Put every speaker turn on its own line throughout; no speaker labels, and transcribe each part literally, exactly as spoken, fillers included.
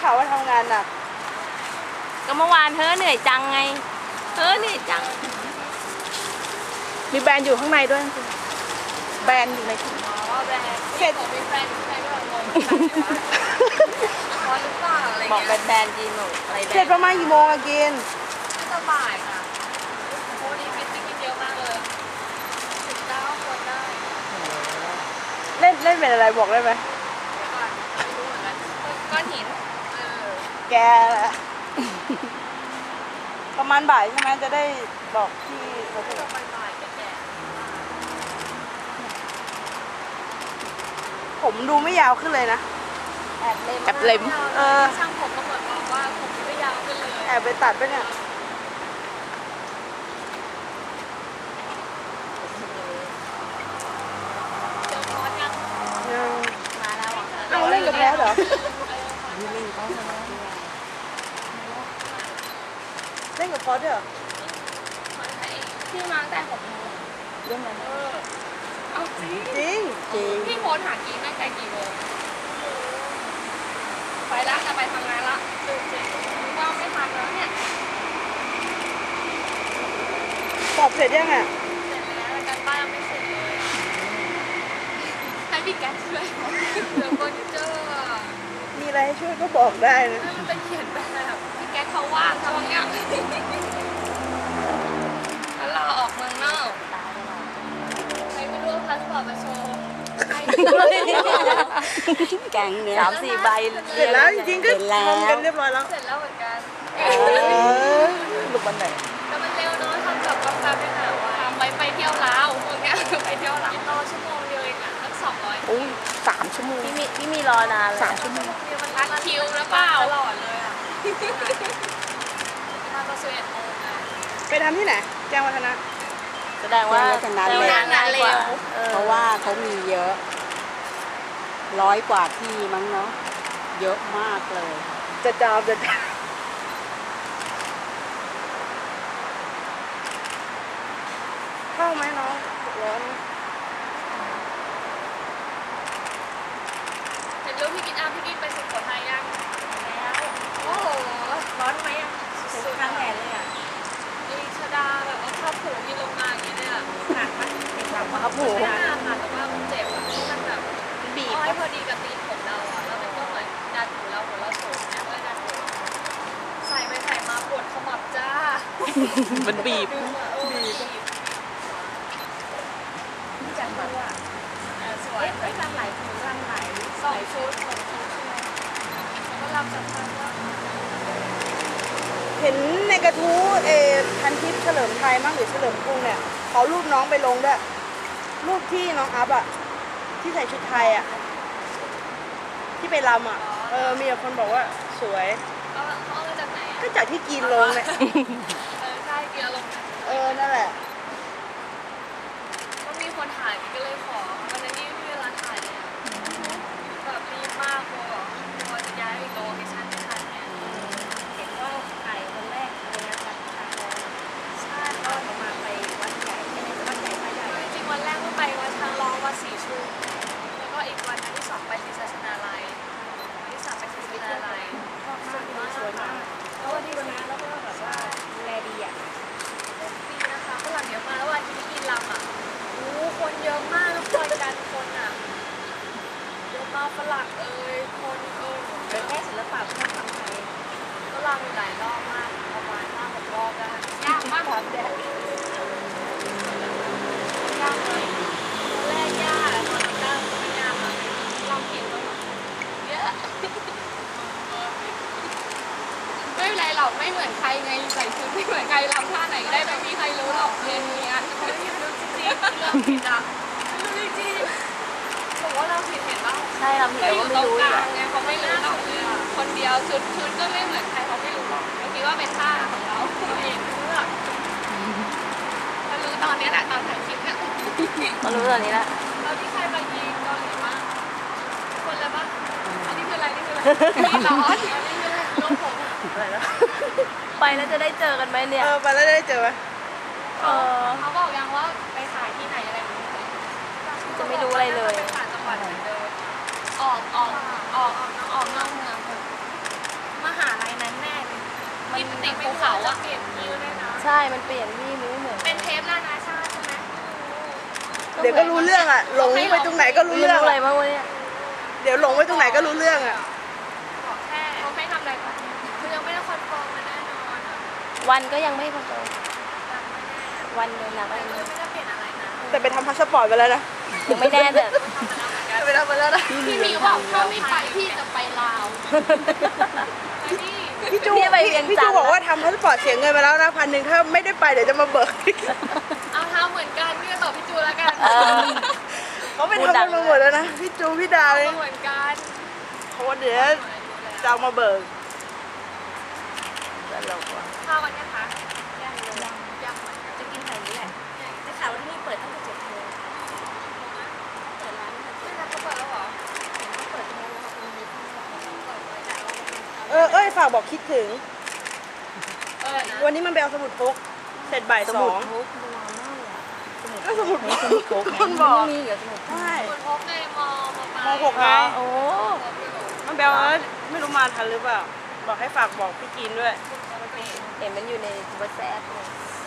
ข่าวว่าทำงานหนัก
ก็เมื่อวานเธอเหนื่อยจังไงเธอเหนื่อยจัง
มีแบรนด์อยู่ข้างในด้วยแบรนด์อยู่ในถุง
อ๋อแบรนด์เสร็จมีแบรนด์ใครด้วยงงร้อนหรือเปล่าอะไรเงี้ย
บอกเป็นแบรนด์จีนหนูอะไรแบรนด์
เสร็จประมาณกี่โมงอะกิน
น่าจะบ่ายค่ะโอ้ดีฟิตติ้งเยอะมากเลยสิบเก้าคนได้
เล่นเล่นเป็นอะไรบอกได้ไหม
ก่อนไม่รู้เหมือนกันก้อนหินเออ
แกแหละประมาณบ่ายใช่ไหมจะได้บอกที่เขาจะ
ประมาณบ่ายแก่
ผมดูไม่ยาวขึ้นเลยนะ
แอบเล็ม
แอบเล็มเออ
ช่างผมก็เหมือนบอกว่าผมไม่ยาวขึ้นเลย
แอบไปตัดไปเนี่ย
เจอคอร์สยัง
มาแล้ว
เอาเล่นกับแพ้เหรอเล่นกับพอสเหรอ
พี่มาแต่หกโมง
เรื่องอะไร
เอาจริง
จริงจริง
พี่โพสหากีตั้งแต่กี่โมงไปละจะไปทำงานละดูจริงว่าไม่ทันแล้วเนี่ย
สอบเสร็จยังอ่ะ
เสร็จแล้วการบ้านยังไม่เสร็จเลยให้พี่แก๊สช่วยเหลือเฟอร์นิเจอร์
มีอะไรให้ช่วยก็บอกได้นะ
มันเป็นเขียนแบบพี่แก๊สเขาว่างเขาเงี้ยแล้วเราออกเมืองนอกใครไม่รู้พาสปอร์ตมาโชว์
แกงเนี่ยสามสี่ใบ
เสร็จแล้วจริงๆก็ทำกันเรียบร้อยแล้ว
เสร็จแล้วเหมือนกัน
หลุดวันไหน
แต่มันเร็วเนาะทำกับกาแฟไปหาว่าไปไปเที่ยวลาวพวกเนี้ยไปเที่ยวลาวรอชั่วโมงเดียวเองอ่ะตั้งสองร้อย
โอ้ยสามชั่วโมง
พี่มีพี่มีรอนานเลย
สามชั่วโมง
มันรัดคิวแล้วเปล่าตลอดเลยอ่ะทำประสบโมงอ่ะ
ไปทำที่ไหนแจ้งวัฒนะ
แสดงว่า
แจ้งวัฒนะเร็ว
งานเร็ว
เพราะว่าเขามีเยอะร้อยกว่าที่มั้งเนาะเยอะมากเลย
จะจามจะจามเข้าไหมน้องร้อน
เห็นรูปพี่กินอ้าพี่กินไปสุโขทัยยังแล้วโอ้โหร้อนไหมอ่ะ
สุดข้างแขนเลยอ่ะ
ลีชดาแบบว่าชอบผูกกินลงมาอย่างเงี้ยเนี่ยหนักไหม
หนักมาผูก
ไม่น่าค่ะแต่ว่ามันเจ็บอ่ะมันแบบ
บีบ
ให้พอดีกับตีนผมเราอ่ะแล้วมันก็เหมือนดันหูเราหัวเราโฉมเนี่ยก็เลยดันหูใส่ไปใส่มาปวดขมับจ้า
มันบีบ
บีบจังเลยอ่ะสวยไม่ทำหลายชุดทำหลายสองชุดสองชุดใช่ไหมก็รับจากทางว่า
เห็นในกระทู้เอพันทิพย์เฉลิมไทยมั้งหรือเฉลิมกรุงเนี่ยเขารูปน้องไปลงด้วยรูปที่น้องอัพอ่ะที่ใส่ชุดไทยอ่ะที่ไปรำอ่ะเออมีคนบอกว่าสวย
เขาเอามาจากไหน
ก็จากที่กินลงเนี่ย
เออใช่กินลง
เออนั่นแหละ
ก็มีคนถ่ายก็เลยขอวันนี้ไม่มีเวลาถ่ายเลยแบบรีบมากกลัวกลัวจะย้ายอีกโลเคชั่นไม่ทันเนี่ย
เห็นว่าถ่ายคนแรกในงานวัดตาทอง
ใช่
ก็ประมาณไปวัดใหญ่ใช่ไหมวัดใหญ่วัดใหญ่
จริงวันแรกก็ไปวัดช้างร้องวัดสีชุมแล้วก็อีกวันที่สองไปศรีสัชนาลัยวันที่สามไปศรีสัชนาลัย
ชอบมากสวยมากแล้ววันที่วันนั้นแล้วก็แบบว่าดูแลดีอ่ะ
ดีนะคะฝรั่งเยอะมากแล้ววันที่กินลำอ่ะโอ้คนเยอะมากแล้วคอยกันคนอ่ะเยอะมากฝรั่งเอ่ยคนเอ่ย
เป็นแค่ศิลปะเพื่อทำไทย
ก็ลำหลายรอบมากประมาณห้าหกรอบได้ยากมากแบบแดดยากเลยแรกยากตอนนี้ก็ไม่ยากอ่ะลองผิดแล้วเยอะไม่เป็นไรหรอกไม่เหมือนใครไงใส่ชุดไม่เหมือนใครลำท่าไหนก็ได้ไม่มีใครรู้หรอกเรียนนี้อ่ะเขาไม่รู้จริงๆเรื่องผิดอ่ะไม่รู้จริงๆบอกว่าเราผิดเห็นป่ะ
ใช่เราผิดแต่ว่าไม่รู้
อ่ะไงเขาไม่รู้หรอกคนเดียวชุดชุดก็ไม่เหมือนใครเขาไม่รู้หรอกเขาคิดว่าเป็นท่าของเราเองเลือกมารู้ตอนนี้แหละตอนถ่ายคลิปเนี่ย
มารู้ตอนนี้ละ
เราที่ใครมายิงเกาหลีบ้างคนละบ้างอันนี้คืออะไรนี่คืออะไรนี่ร้อนอันนี้คือลมผม
อะไรนะ
ไปแล้วจะได้เจอกันไหมเนี่ย
เออไปแล้วได้เจอไหม
เออเขาบอกยังว่าไปถ่ายที่ไหนอะไรอย่างเงี้ย
จะไม่รู้อะไรเลย
ไปต่างจังหวัดเหมือนเดิมออกออกออกออกนอกเมืองลิปสติกภูเขาอะเปลี่ยนที่ด้วยนะ
ใช่ มันเปลี่ยนที่มันไม่เหมือน
เป็นเทปนานาชาติใช่ไหม
เดี๋ยวก็รู้เรื่องอ่ะหลงไปตรงไหนก็รู้
เรื่
เรื่
อ
อง ง
อะไร
อะ
บ้างวะเนี่ย
เดี๋ยวหลงไปตรงไหนก็รู้เรื่องอ่ะ
ขอแค่เขาไม่ทำอะไรก่อนคือยังไม่ได้คอนเฟิร์มมาแน่นอนอะ
วันก็ยังไม่คอนเฟิร์ม
ยังไม่แน่
วันเดินหนัก
แต่
อะไร
ก็ยังไม่ได้เปลี่ยนอะไรนะ
แต่ไปทำพาสปอร์ตไปแล้วนะ
ยังไม่แน่แต่
ไปทำไปแล้วนะ
พี่มีบอกถ้าไม่ไปพี่จะไปลาวไปนี่
พี่จู
พี่ไปเวียง
พี่
จั
จู
นทร์
บอกว่าทำพาสปอร์ตเสียเงินไปแล้วนะพันหนึ่งถ้าไม่ได้ไปเดี๋ยวจะมาเบิก
เอาเท้าเหมือนกันพี่ก็ตอบพี่จูแล้วกัน
เออ
เขาไปทำกันมาหมดแล้วนะพี่จูพี่ดาเลย
เหมือนกัน
เขาว่าเดี๋ยวจะเอามาเบิกตลกว่ะ
ข้าววันนี้คะยังยังยังเหมือนกัน
จะกินแถวนี้แหละได้ข่าวว่าที่นี่เปิดตั้งแต่เจ็ดโมงเปิดร้านตั้งแต่
ไม่รับเขาเปิดแล้วเหรอ
เปิดโมงแล้วค่ะเปิดไว้แต่เราเป็น
เออเอ้ยฝากบอกคิดถึง
เออนะ
วันนี้มันไปเอาสมุดพกเสร็จบ่าย
ส
ส
มุ
อ
ด
ง
พกโบราณมากเลยอะ
ก็สมุดพก
สมุดพก
คนบอก
ไม่มีเหรอสมุดพก
ใช่
คุณพกในมอมาไป
มหกไง
โอ้
มันไปเอาแล้วไม่รู้มาทันหรือเปล่าบอกให้ฝากบอกพี่กินด้วย
เห็นมันอยู่ในวัตแซปเลย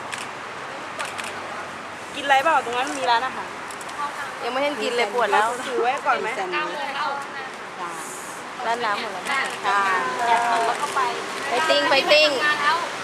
กินอะไรเปล่าตรงนั้นมีร้านอาหาร
ยังไม่เห็นกินเลยปวดแล้ว
ถือไว้ก่อนไหม
แซน
เก้า
ด์
โม
วิช
งแล้ว
ร้านน้ำหมดแล้ว
ค่ะ
ไปติ้งไปติ้ง
ทำงานแล้ว